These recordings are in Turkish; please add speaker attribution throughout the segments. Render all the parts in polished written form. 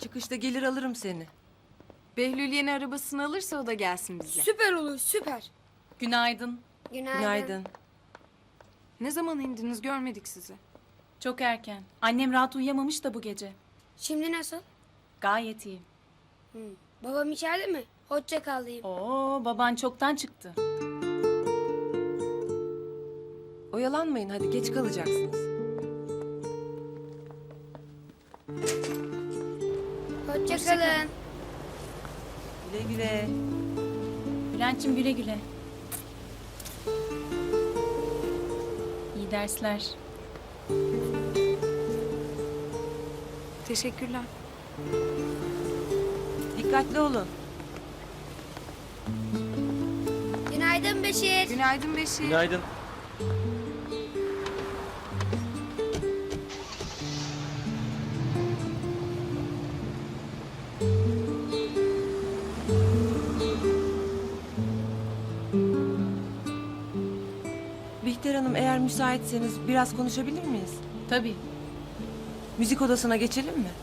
Speaker 1: Çıkışta gelir alırım seni.
Speaker 2: Behlül yeni arabasını alırsa o da gelsin bizle.
Speaker 3: Süper olur, süper.
Speaker 4: Günaydın.
Speaker 1: Günaydın.
Speaker 2: Ne zaman indiniz görmedik sizi.
Speaker 4: Çok erken. Annem rahat uyuyamamış da bu gece.
Speaker 3: Şimdi nasıl?
Speaker 4: Gayet iyi.
Speaker 3: Babam içeride mi? Hoşça kal diyeyim.
Speaker 4: Oo, baban çoktan çıktı.
Speaker 1: Oyalanmayın hadi geç kalacaksınız.
Speaker 3: Hoşça kalın.
Speaker 1: Güle güle.
Speaker 4: Bülent'cim güle güle. İyi dersler.
Speaker 2: Teşekkürler.
Speaker 1: Dikkatli olun.
Speaker 3: Günaydın Beşir.
Speaker 2: Günaydın Beşir.
Speaker 5: Günaydın.
Speaker 1: Bihter Hanım eğer müsaitseniz biraz konuşabilir miyiz?
Speaker 4: Tabii.
Speaker 1: Müzik odasına geçelim mi?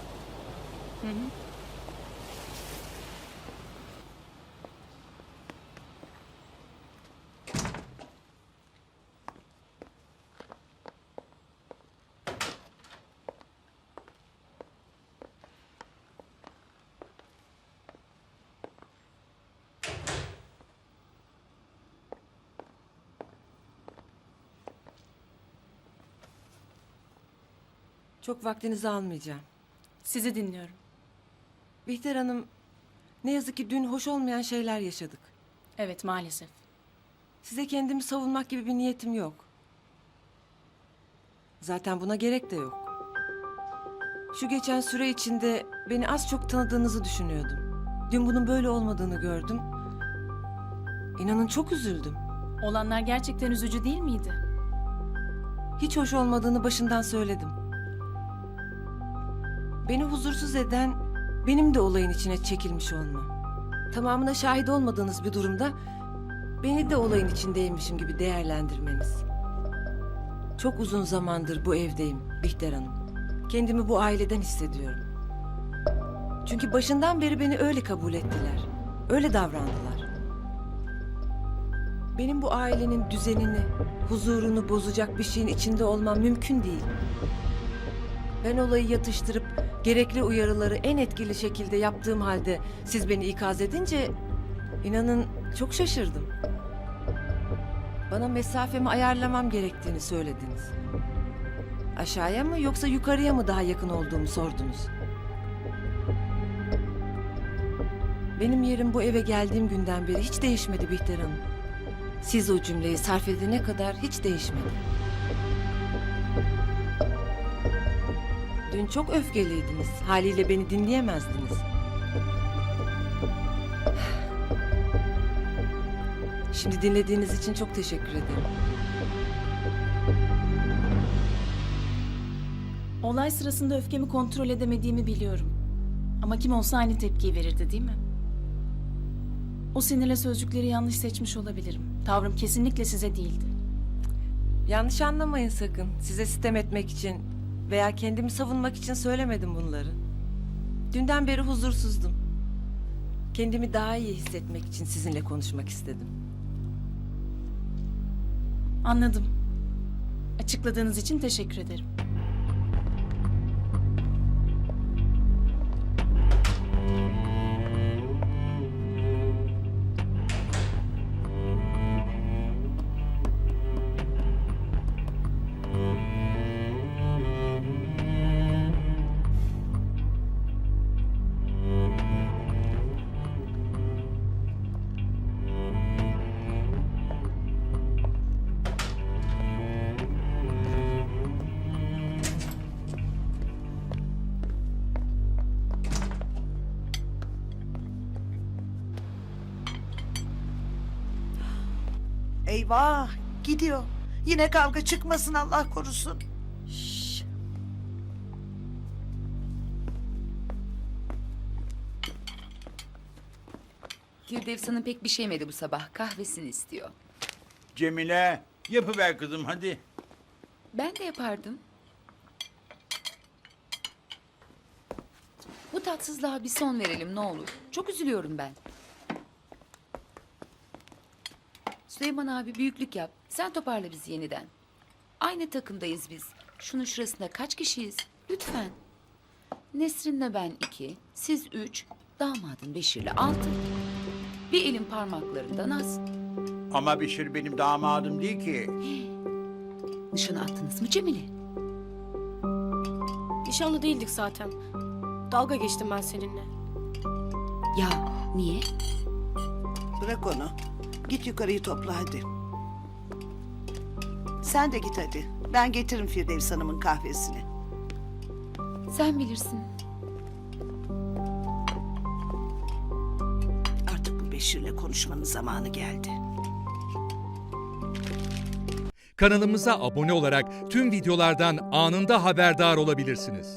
Speaker 1: Çok vaktinizi almayacağım.
Speaker 4: Sizi dinliyorum.
Speaker 1: Bihter Hanım, ne yazık ki dün hoş olmayan şeyler yaşadık.
Speaker 4: Evet, maalesef.
Speaker 1: Size kendimi savunmak gibi bir niyetim yok. Zaten buna gerek de yok. Şu geçen süre içinde beni az çok tanıdığınızı düşünüyordum. Dün bunun böyle olmadığını gördüm. İnanın çok üzüldüm.
Speaker 4: Olanlar gerçekten üzücü değil miydi?
Speaker 1: Hiç hoş olmadığını başından söyledim. Beni huzursuz eden benim de olayın içine çekilmiş olmam. Tamamına şahit olmadığınız bir durumda beni de olayın içindeymişim gibi değerlendirmeniz. Çok uzun zamandır bu evdeyim Bihter Hanım. Kendimi bu aileden hissediyorum. Çünkü başından beri beni öyle kabul ettiler. Öyle davrandılar. Benim bu ailenin düzenini, huzurunu bozacak bir şeyin içinde olmam mümkün değil. Ben olayı yatıştırıp gerekli uyarıları en etkili şekilde yaptığım halde siz beni ikaz edince inanın çok şaşırdım. Bana mesafemi ayarlamam gerektiğini söylediniz. Aşağıya mı yoksa yukarıya mı daha yakın olduğumu sordunuz. Benim yerim bu eve geldiğim günden beri hiç değişmedi Bihter Hanım. Siz o cümleyi sarf edene kadar hiç değişmedi. Dün çok öfkeliydiniz. Haliyle beni dinleyemezdiniz. Şimdi dinlediğiniz için çok teşekkür ederim.
Speaker 4: Olay sırasında öfkemi kontrol edemediğimi biliyorum. Ama kim olsa aynı tepkiyi verirdi değil mi? O sinirle sözcükleri yanlış seçmiş olabilirim. Tavrım kesinlikle size değildi.
Speaker 1: Yanlış anlamayın sakın. Size sitem etmek için veya kendimi savunmak için söylemedim bunları. Dünden beri huzursuzdum. Kendimi daha iyi hissetmek için sizinle konuşmak istedim.
Speaker 4: Anladım. Açıkladığınız için teşekkür ederim.
Speaker 6: Eyvah gidiyor. Yine kavga çıkmasın Allah korusun.
Speaker 7: Firdevs Hanım pek bir şey yemedi bu sabah. Kahvesini istiyor.
Speaker 5: Cemile, yapıver kızım hadi.
Speaker 7: Ben de yapardım. Bu tatsızlığa bir son verelim ne olur. Çok üzülüyorum ben. Süleyman abi büyüklük yap. Sen toparla bizi yeniden. Aynı takımdayız biz. Şunun şurasında kaç kişiyiz? Lütfen. Nesrin'le ben 2, siz 3, damadın Beşir'le 6. Bir elin parmaklarından az.
Speaker 5: Ama Beşir benim damadım değil ki.
Speaker 7: Nişanı attınız mı Cemile?
Speaker 8: Nişanlı değildik zaten. Dalga geçtim ben seninle.
Speaker 7: Ya niye?
Speaker 6: Bırak onu. Git yukarıyı topla hadi. Sen de git hadi. Ben getiririm Firdevs Hanım'ın kahvesini.
Speaker 7: Sen bilirsin.
Speaker 6: Artık bu Beşir'le konuşmanın zamanı geldi.
Speaker 9: Kanalımıza abone olarak tüm videolardan anında haberdar olabilirsiniz.